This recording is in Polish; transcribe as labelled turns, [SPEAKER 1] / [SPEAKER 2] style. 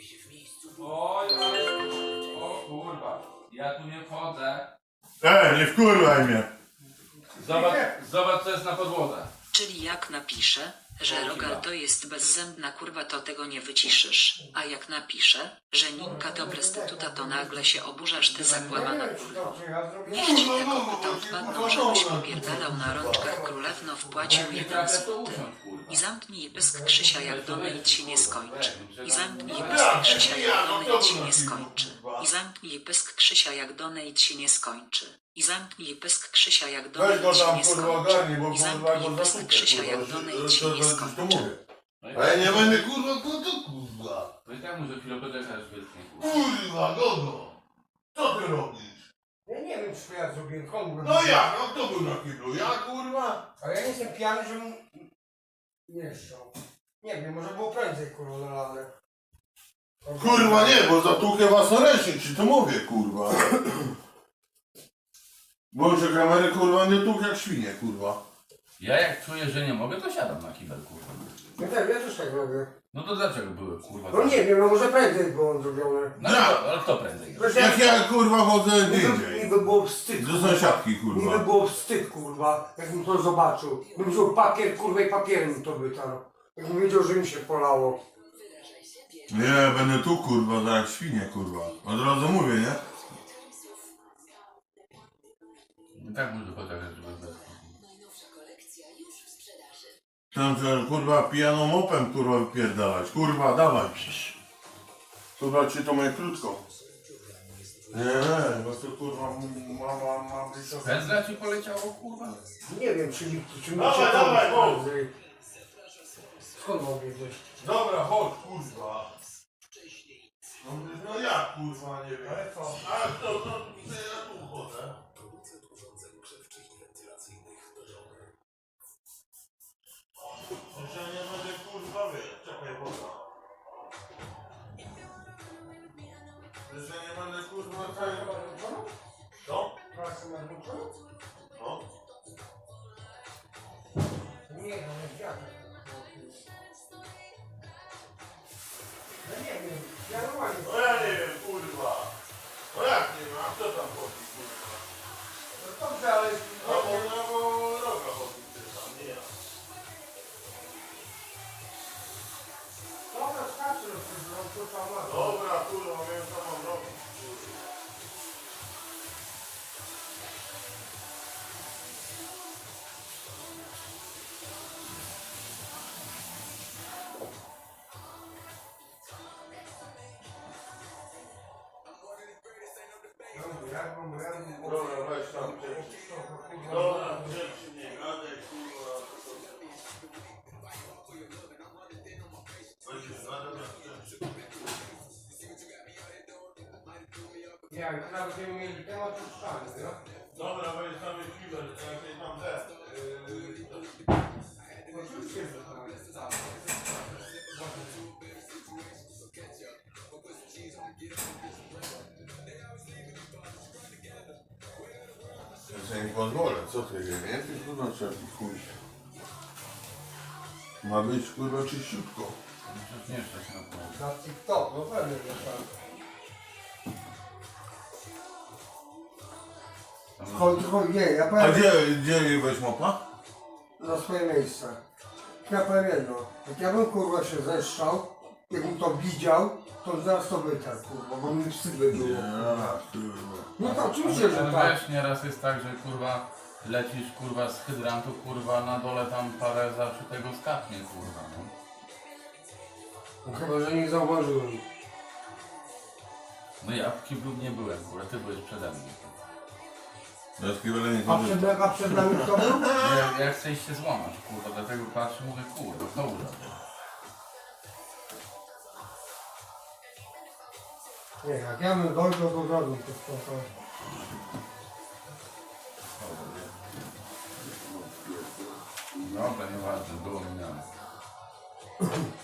[SPEAKER 1] Oj, o kurwa. Ja tu nie wchodzę.
[SPEAKER 2] Nie wkurwaj mnie.
[SPEAKER 1] Zobacz co jest na podłodze.
[SPEAKER 3] Czyli jak napiszę, że Rogal to jest bezzębna kurwa, to tego nie wyciszysz. A jak napiszę, że Ninka to prostytuta, to nagle się oburzasz, ty zakłamana kurwo. Niech ci te kopytom wpadną, żebyś popierdalał na rączkach królewno, wpłacił 1 złoty. I zamknij pysk Krzysia, jak donate się nie skończy. I zamknij pysk Krzysia, jak donate się nie skończy. I zamknij pysk Krzysia, jak donate się nie skończy. I zamknij pysk Krzysia, jak
[SPEAKER 2] Weź go
[SPEAKER 3] donate się
[SPEAKER 2] tam
[SPEAKER 3] nie
[SPEAKER 2] kurwa
[SPEAKER 3] skończy.
[SPEAKER 2] ogarnij, bo
[SPEAKER 3] I
[SPEAKER 2] kurwa
[SPEAKER 3] zamknij
[SPEAKER 2] go
[SPEAKER 3] pysk
[SPEAKER 2] zasłuchaj.
[SPEAKER 3] Krzysia, jak donate się nie
[SPEAKER 2] To
[SPEAKER 3] skończy.
[SPEAKER 2] mówię. A ja nie będę kurwa to kurwa.
[SPEAKER 1] No i tak może chwilę poczekasz, wytnie kurwa.
[SPEAKER 2] Kurwa, Gogo. Co ty robisz?
[SPEAKER 4] Ja nie wiem, czy ja zrobiłem komu.
[SPEAKER 2] No jak? A kto był na kiblu? Ja kurwa?
[SPEAKER 4] Ale ja nie jestem pijany, żebym nie szczał. Nie wiem, może było prędzej kurwa nalane.
[SPEAKER 2] Kurwa nie, bo zatłukę własnoręcznie, ci to mówię kurwa. Boże kamery kurwa nie tłuk jak świnie kurwa.
[SPEAKER 1] Ja jak czuję, że nie mogę, to siadam na kibel kurwa.
[SPEAKER 4] No tak, ja też tak robię.
[SPEAKER 1] No to dlaczego były kurwa?
[SPEAKER 4] No nie wiem, no może prędzej było zrobione.
[SPEAKER 1] No ale kto prędzej?
[SPEAKER 2] Jak ja kurwa chodzę gdzie indziej.
[SPEAKER 4] Mi by było wstyd.
[SPEAKER 2] Do sąsiadki
[SPEAKER 4] Mi by
[SPEAKER 2] kurwa.
[SPEAKER 4] było wstyd kurwa, jakbym to zobaczył. Bym wziął papier kurwa i papierem to wytarł. Jakbym wiedział, że mi się polało.
[SPEAKER 2] Nie, będę tu kurwa, tak jak świnie kurwa. Od razu mówię, nie?
[SPEAKER 1] No tak może poczekać, żeby bez...
[SPEAKER 2] Tam że kurwa pijaną mopem kurwa wypierdalać. Kurwa, dawaj. Kurwa ci to moje krótko. Nie, bo to kurwa ma być to...
[SPEAKER 1] Pędzla ci poleciało kurwa?
[SPEAKER 4] Nie wiem, czy mi
[SPEAKER 2] Dawaj,
[SPEAKER 4] się
[SPEAKER 2] dawaj,
[SPEAKER 4] to
[SPEAKER 2] bo-
[SPEAKER 4] prędzej. Skąd mogę wiedzieć?
[SPEAKER 2] Dobra, chodź kurwa. No jak kurwa, nie wiem. Ale co? A to ja tu chodzę. Że nie będę kurwa czekaj woda. Że nie będę kurwa Co?
[SPEAKER 4] Pracę na dwóch?
[SPEAKER 2] No.
[SPEAKER 4] Nie, no nie wiadomo. Ja nie wiem, ja normalnie.
[SPEAKER 2] No ja nie wiem kurwa. No jak nie wiem, a kto tam chodzi kurwa?
[SPEAKER 4] No dobrze, ale...
[SPEAKER 2] No bo roga chodzi tam, nie ja.
[SPEAKER 4] Dobra, starczy, no to tam ma.
[SPEAKER 2] Dobra kurwa, wiem co mam robić. Dobra, weź tam rzeczy. Dobra, rzeczy nie gadaj, kurwa. Będziesz gadał jak rzeczy.
[SPEAKER 4] Ja, już nawet nie mieli temat puszczany, no?
[SPEAKER 2] Dobra, weź tam kibel, jakiej tam te.
[SPEAKER 4] Oczywiście, że tak.
[SPEAKER 2] Ja sobie nie pozwolę, co ty wie, nie? Ty kurwa trzeba chuj. Ma być kurwa czyściutko.
[SPEAKER 1] Przecież nie stać na to.
[SPEAKER 4] Na TikTok, no pewnie, że tak. Chodź, nie, ja
[SPEAKER 2] A
[SPEAKER 4] powiem
[SPEAKER 2] gdzie weź mopa?
[SPEAKER 4] na swoje miejsce. Ja powiem jedno, jak ja bym kurwa się zeszczał, jakbym to widział, to zaraz to wytarł kurwa, bo mi wstyd by było.
[SPEAKER 2] Kurwa.
[SPEAKER 4] No to oczywiście, że
[SPEAKER 1] Ale
[SPEAKER 4] tak.
[SPEAKER 1] wiesz, nieraz jest tak, że kurwa lecisz kurwa z hydrantu, kurwa na dole tam parę zawsze tego skapnie kurwa, no.
[SPEAKER 4] No chyba, że nie zauważyłem.
[SPEAKER 1] No ja w kiblu nie byłem, kurwa, ty byłeś przede mną.
[SPEAKER 2] Ja z kibelem nie
[SPEAKER 4] A
[SPEAKER 2] chodzę.
[SPEAKER 4] przed nami kto był?
[SPEAKER 1] Ja chcę się złamać, kurwa, dlatego patrzę, mówię, kurwa, dobrze.
[SPEAKER 4] Nie, jak ja bym dojrzał, to zrobił to spoko.
[SPEAKER 1] Dobra, nieważne, było minane.